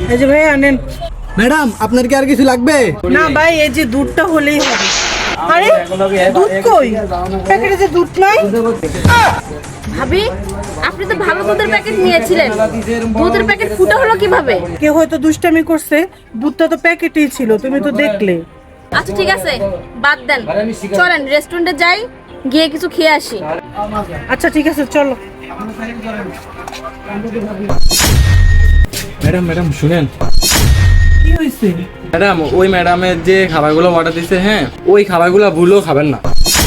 এই যে ভাই আনেন। ম্যাডাম আপনার কি আর কিছু লাগবে? না ভাই, এই যে দুধটা হলেই হবে। আরে দুধ কই? প্যাকেটে যে দুধ নাই। ভাবি, আপনি তো ভালো দুধের প্যাকেট নিয়েছিলেন, দুধের প্যাকেট ফুটা হলো কিভাবে? কেউ হয়তো দুষ্টামি করছে, দুধটা তো প্যাকেটেই ছিল, তুমি তো দেখলে। আচ্ছা ঠিক আছে, বাদ দেন, চলেন রেস্টুরেন্টে যাই, গিয়ে কিছু খেয়ে আসি। আচ্ছা ঠিক আছে, চলো। ম্যাডাম ম্যাডাম শুনেন। কি হয়েছে? ম্যাডাম ওই ম্যাডামের যে খাবারগুলো অর্ডার দিছে, হ্যাঁ ওই খাবারগুলো ভুলেও খাবেন না।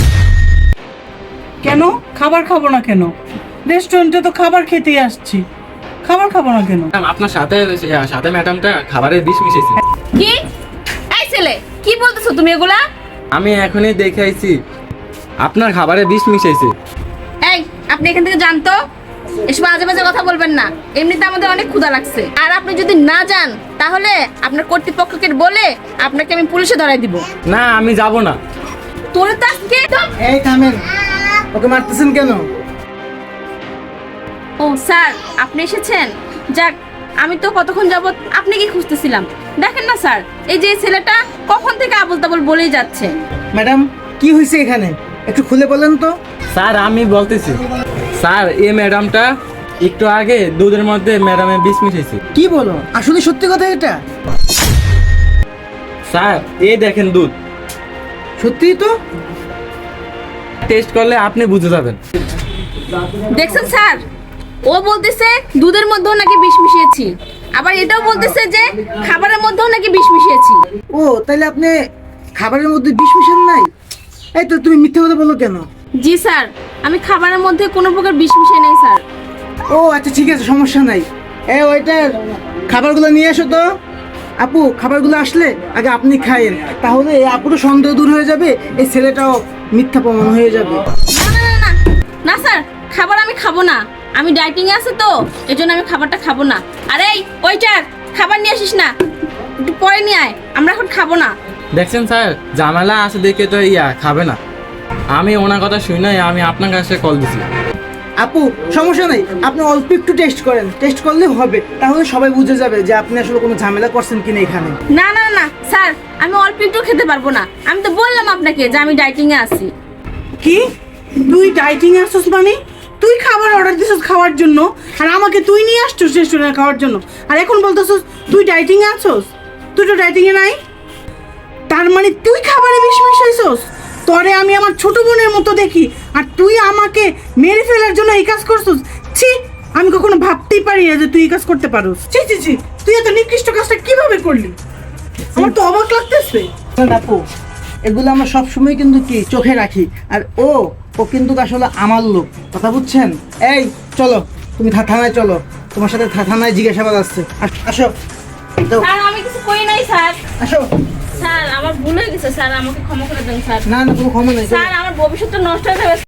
কেন খাবার খাবো না কেন? রেস্টুরেন্টে তো খাবার খেতেই আসছি, খাবার খাবো না কেন? ম্যাডাম আপনার সাথে সাথে ম্যাডামটা খাবারের বিষ মিশিয়েছে। কি? এই ছেলে, কি বলতেছো তুমি এগুলা? আমি এখনই দেখে আইছি আপনার খাবারে বিষ মিশাইছে। এই, আপনি এখান থেকে যান তো, এসব আজে বাজে কথা বলবেন না। এমনিতে আমাদের অনেক ক্ষুধা লাগছে, আর আপনি যদি না যান তাহলে আপনার কর্তৃপক্ষকে বলে আপনাকে আমি পুলিশে ধরাই দিব। না আমি যাব না। তোরে তো আজকে এই থামেন, ওকে মারতেছেন কেন? ও স্যার, আপনি এসেছেন? যাক, আমি তো কতক্ষণ যাবত আপনি কি খুঁজতেছিলাম। দেখেন না স্যার, এই যে এই ছেলেটা কখন থেকে আবল তাবল বলেই যাচ্ছে। ম্যাডাম কি হয়েছে এখানে, একটু খুলে বলেন তো। স্যার আমি বলতেছি, স্যার এই ম্যাডামটা একটু আগে দুধের মধ্যে ম্যাডামের বিষ মিশাইছে। কি বলো, আসলে সত্যি কথা এটা? স্যার এই দেখেন দুধ, সত্যিই তো। টেস্ট করলে আপনি বুঝে যাবেন। দেখছেন স্যার, ও বলতেছে দুধের মধ্যেও নাকি বিষ মিশিয়েছি, আবার এটাও বলতেছে যে খাবারের মধ্যেও নাকি বিষ মিশিয়েছি। ও তাহলে আপনি খাবারের মধ্যে বিষ মিশান নাই? এই তো তুমি মিথ্যে কথা বলো কেন? জি স্যার, আমি খাবারের মধ্যে কোনো প্রকার বিষ মিশাই নাই স্যার। ও আচ্ছা ঠিক আছে, সমস্যা নাই। ওইটার খাবারগুলো নিয়ে এসো তো। আপু খাবারগুলো আসলে আগে আপনি খাইয়েন, তাহলে এই আপুরও সন্দেহ দূর হয়ে যাবে, এই ছেলেটাও মিথ্যা প্রমাণ হয়ে যাবে। না না না না না স্যার, খাবার আমি খাবো না, আমি ডায়েটিং এ আছে তো, এজন্য আমি খাবারটা খাবো না। আরে এই ওইটার খাবার নিয়ে আসিস না, একটু পরে নিয়ে আয়, আমরা এখন খাবো না। দেখছেন স্যার, ঝামেলা আছে দেখে তো খাবে না। আমি ওনার কথা শুনে আমি আপনার কাছে কল দিছি। আপু সমস্যা নেই, আপনি অল্প একটু টেস্ট করেন, টেস্ট করলে হবে, তাহলে সবাই বুঝে যাবে যে আপনি আসলে কোনো ঝামেলা করছেন কিনা এখানে। না না না স্যার, আমি অল্প একটু খেতে পারবো না, আমি তো বললাম আপনাকে যে আমি ডায়েটিং এ আছি। কি তুই ডাইটিং আসছিস মানে? তুই খাবার অর্ডার দিছিস খাওয়ার জন্য, আর আমাকে তুই নিয়ে আসছিস রেস্টুরেন্টে খাওয়ার জন্য, আর এখন বলতেছিস তুই ডাইটিং এ আছস? তুই তো ডাইটিং এ নাই। তার মানে তুই খাবারে বিষ মিশাইছস? তোরে আমি আমার ছোট বোনের মতো দেখি, আর তুই আমাকে মেরে ফেলার জন্য এই কাজ করছিস। ছি, আমি কখনো ভাবতেই পারি না যে তুই এই কাজ করতে পারোস। ছি ছি ছি, তুই এত নিকৃষ্ট কাজটা কিভাবে করলি? আমার তো অবাক লাগতেছে। আপু এগুলো আমরা সবসময় কিন্তু কি চোখে রাখি, আর ও কিন্তু আসলে আমার লোক, কথা বুঝছেন? এই চলো, তুমি থানায় চলো, তোমার সাথে থানায় জিজ্ঞাসাবাদ আসছে। আসো যাও, স্যার আমি কিছু করি নাই স্যার। আসো। স্যার আমার ভুল হয়ে গেছে স্যার, আমাকে ক্ষমা করে দেন স্যার। না না কোনো ক্ষমা নেই। স্যার আমার ভবিষ্যৎটা নষ্ট হয়ে যাবে।